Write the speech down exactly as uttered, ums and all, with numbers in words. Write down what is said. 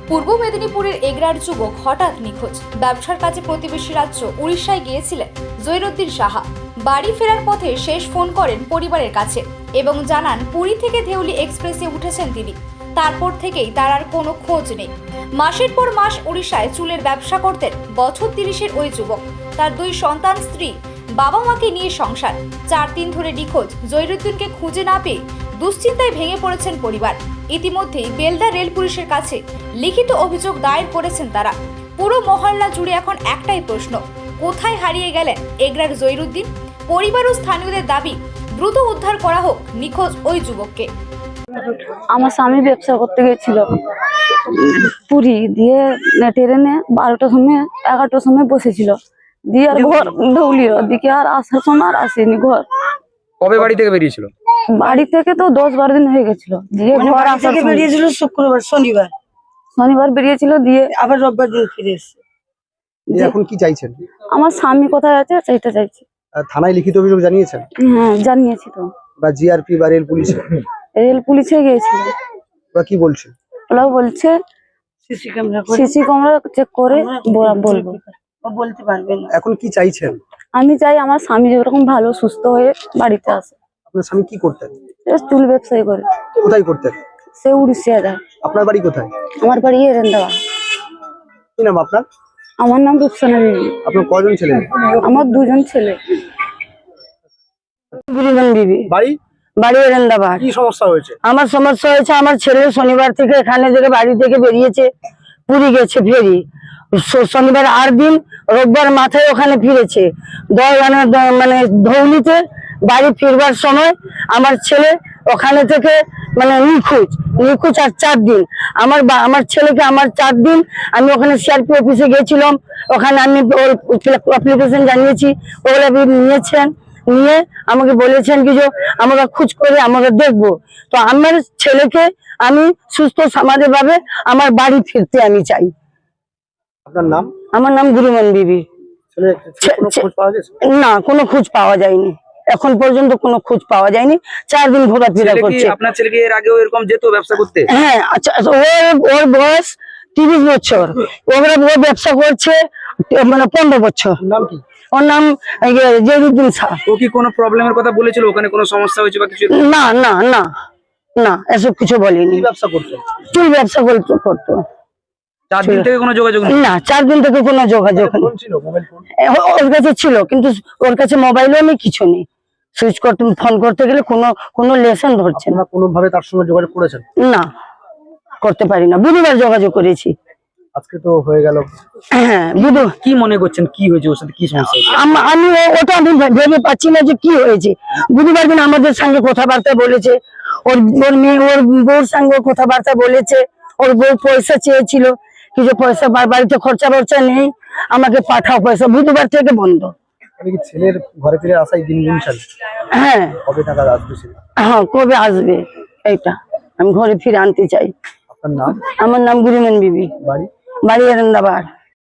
পূর্ব মেদিনীপুরের এগরার যুবক হঠাৎ নিখোঁজ। ব্যবসার কাজে প্রতিবেশী রাজ্য উড়িষ্যায় গিয়েছিলেন জহিরুদ্দিন সাহা। বাড়ি ফেরার পথে শেষ ফোন করেন পরিবারের কাছে এবং জানান পুরী থেকে ধেউলি এক্সপ্রেসে উঠেছেন তিনি। তারপর থেকেই তার আর কোনো খোঁজ নেই। মাসের পর মাস উড়িষ্যায় চুলের ব্যবসা করতেন বছর তিরিশের ওই যুবক। তার দুই সন্তান, স্ত্রী, বাবা মাকে নিয়ে সংসার। চার দিন ধরে নিখোঁজ জহিরুদ্দিনকে খুঁজে না পেয়ে দুশ্চিন্তায় ভেঙে পড়েছেন পরিবার। ইতিমধ্যেই বেলদা রেল পুলিশের কাছে লিখিত অভিযোগ দায়ের করেছেন তারা। পুরো মহল্লা জুড়ে এখন একটাই প্রশ্ন, কোথায় হারিয়ে গেলেন এগরার জহিরুদ্দিন? পরিবার ও স্থানীয়দের দাবি দ্রুত উদ্ধার করা হোক নিখোঁজ ওই যুবককে। আমার স্বামী ব্যবসা করতে গেছিল পুরী, দিয়ে ট্রেনে বারোটার সময় এগারোটার সময় বসেছিল, দিয়ে আর ঘর ধৌলির দিকে আর আসার সময় আর আসেনি ঘর। কবে বাড়ি থেকে বেরিয়েছিল? বাড়ি থেকে তো দশ বারো দিন হয়ে গেছিল। দিয়ে ঘর আসার সময় বেরিয়েছিল শুক্রবার, শনিবার শনিবার বেরিয়েছিল, দিয়ে আবার রোববার দিন ফিরে এসেছে। এখন কি চাইছেন? আমার স্বামী কোথায় আছে সেইটা চাইছি। আহ, থানায় লিখিত অভিযোগ জানিয়েছেন হ্যাঁ জানিয়েছি তো, বা জিআরপি বা রেল পুলিশ রেল পুলিশে গিয়েছিল। ওরা কি বলছে? ওরা বলছে সিসি ক্যামেরা করে সিসি ক্যামেরা চেক করে বলা- বলবো। ও বলতে পারবে না। এখন কি চাইছেন? আমি চাই আমার স্বামী যেরকম ভালো সুস্থ হয়ে বাড়িতে আসে। আপনার স্বামী কি করতেন? সে চুল ব্যবসায়ী করে, কোথায় করতেন? সে উড়িষ্যা যায়। আপনার বাড়ি কোথায়? আমার বাড়ি এরেন্দাবা। কি নাম আপনার? আমার নাম রূপসানা বিবি। আপনার কজন ছেলে? আমার দুজন ছেলে। গুরুজন বিবি, বাড়ি বাড়ি এরেন্দাবাদ। কি সমস্যা হয়েছে? আমার সমস্যা হয়েছে, আমার ছেলে শনিবার থেকে এখানে থেকে বাড়ি থেকে বেরিয়েছে, পুরী গেছে ফেরি। শ- শনিবার আট দিন, রোববার মাথায় ওখানে ফিরেছে। দশ- মানে দ- মানে ধৌলিতে বাড়ি ফিরবার সময় আমার ছেলে ওখানে থেকে মানে নিখোঁজ নিখোঁজ আর চার দিন। আমার বা- আমার ছেলেকে আমার চার দিন আমি ওখানে সিআরপি অফিসে গেছিলাম, ওখানে আমি অ্যাপ্লিকেশন জানিয়েছি, ওগুলো নিয়েছেন, নিয়ে আমাকে বলেছেন কি যে আমাকে খোঁজ করে আমাকে দেখবো। তো আমার ছেলেকে আমি সুস্থ সমাজে ভাবে আমার বাড়ি ফিরতে আমি চাই। আপনার নাম? আমার নাম গুরুমন বিবি। ছেলে ছেলে কোনো খোঁজ পাওয়া গেছে? না, কোনো খোঁজ পাওয়া যায়নি, এখন পর্যন্ত কোনো খোঁজ পাওয়া যায়নি। চার দিন ঘোরাফেরা ছেলে কি, করছে। আপনার ছেলে কি এর আগেও এরকম যেত ব্যবসা করতে? হ্যাঁ, আচ্ছা, ওর ওর বয়স তিরিশ বছর, ওরা ও ব্যবসা করছে মানে পনেরো বছর। নাম কি? ওর নাম ইয়ে, জহিরুদ্দিন শাহ। ও কি কোনো প্রবলেমের কথা বলেছিল, ওখানে কোনো সমস্যা হয়েছে বা কিছু? না না না না, এসব কিছু বলেনি। কি ব্যবসা করতেন? চুল ব্যবসা করতো করতো চার দিন থেকে কোনো যোগাযোগ নেই? না, চার দিন থেকে কোনো যোগাযোগ নেই। ফোন ছিল, মোবাইল ফোন? এ, ও- ওর কাছে ছিল, কিন্তু ওর কাছে মোবাইলও নেই, কিছু নেই। সুইচ করতে ফোন করতে গেলে কোনো কোনো লেসন ধরছে না। আপনারা কোনো ভাবে তার সঙ্গে যোগাযোগ করেছেন? না, করতে পারি না। বুধবার যোগাযোগ করেছি। আজকে তো হয়ে গেল। হ্যাঁ, বুধ কি মনে করছেন কি হয়েছে, ওর সাথে কি সমস্যা হয়েছে? আম- আমি ও- ওটা আমি ভে- ভেবে পাচ্ছি না যে কি হয়েছে। বুধবার দিন আমাদের সঙ্গে কথাবার্তা বলেছে, ওর ওর মেয়ে ওর বউর সঙ্গে কথাবার্তা বলেছে। ওর বউ পয়সা চেয়েছিল, কিছু পয়সা বা- বাড়িতে খরচা বর্চা নেই, আমাকে পাঠাও পয়সা। বুধবার থেকে বন্ধ। আমি কি ছেলের ঘরে ফিরে আসাই দিন দিন চাই? হ্যাঁ কবে টাকা আসবে ছেলে? হ্যাঁ, কবে আসবে এইটা আমি ঘরে ফিরে আনতে চাই। আপনার নাম? আমার নাম গুরুমন বিবি, বাড়ি? বাড়ি এরেন্দাবাদ।